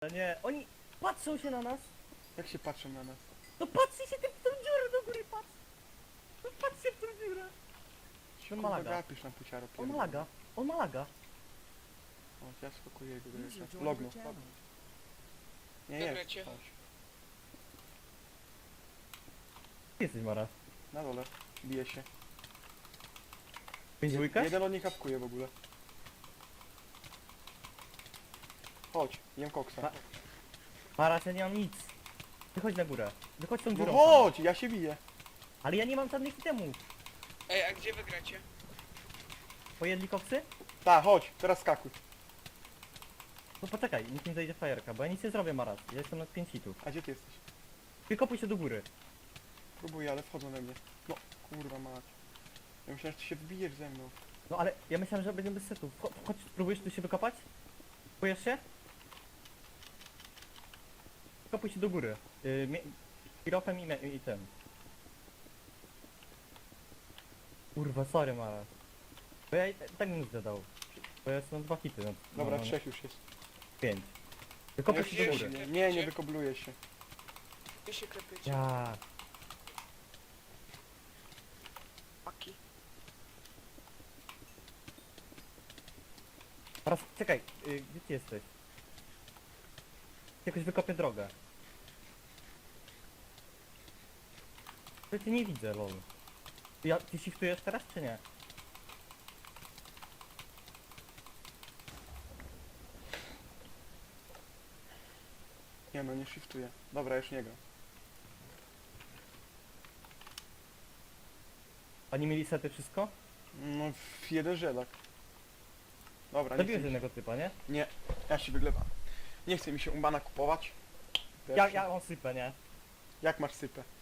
Nie, oni patrzą się na nas. Jak się patrzą na nas? No patrzcie się w tą dziurę do góry, patrz. No patrzcie w tą dziurę. Się ma kurwa laga. gapisz na puciaro On ma laga, on ma laga. O, ja skakuję jego do User jeszcze. joined Lognął. your channel. Nie Dobra, jest. cię. Chodź. Gdzie jesteś, Mara? Na dole. Bije się. Pięć dwójka? Jeden od nich hapkuje w ogóle. Chodź, jem koksa. Ma- Mara, ja nie mam nic. Wychodź na górę. Wychodź tą No dziurą. chodź, ja się biję. Ale ja nie mam żadnych itemów. Ej, a gdzie wygracie? Pojedli koksy? Ta, chodź, teraz skakuj. No poczekaj, nikt nie zajdzie fajerka, bo ja nic nie zrobię, Mara. Ja jestem na 5 hitów. A gdzie ty jesteś? Wykopuj się do góry. Próbuję, ale wchodzą we mnie. No, kurwa mać. Ja myślałem, że ty się wbijesz ze mną. No ale ja myślałem, że będziemy bez setów. Chodź, próbujesz tu się wykopać? Próbujesz się? Wykopuj się do góry. Piropem i tym. Kurwa, sorry, Mara. Bo ja i tak bym zadał. Bo ja jestem na 2 hity. No, Dobra, no, 3 już jest. 5. Wykopuj Nie, się do już góry. nie wykobluję się. Wy się klepiecie. Ja. Paki. Teraz czekaj, gdzie ty jesteś? Jakoś wykopię drogę. Ja cię nie widzę, lol. Ty shiftujesz teraz, czy nie? Nie no, nie shiftuję. Dobra, już nie gram. Oni mieli sety wszystko? No, jeden żelak. Dobra, nie Zabiłeś chcę mi się. jednego typa, nie? Nie, ja się wyglewam. Nie chce mi się umbana kupować. Ja mam sypę, nie? Jak masz sypę?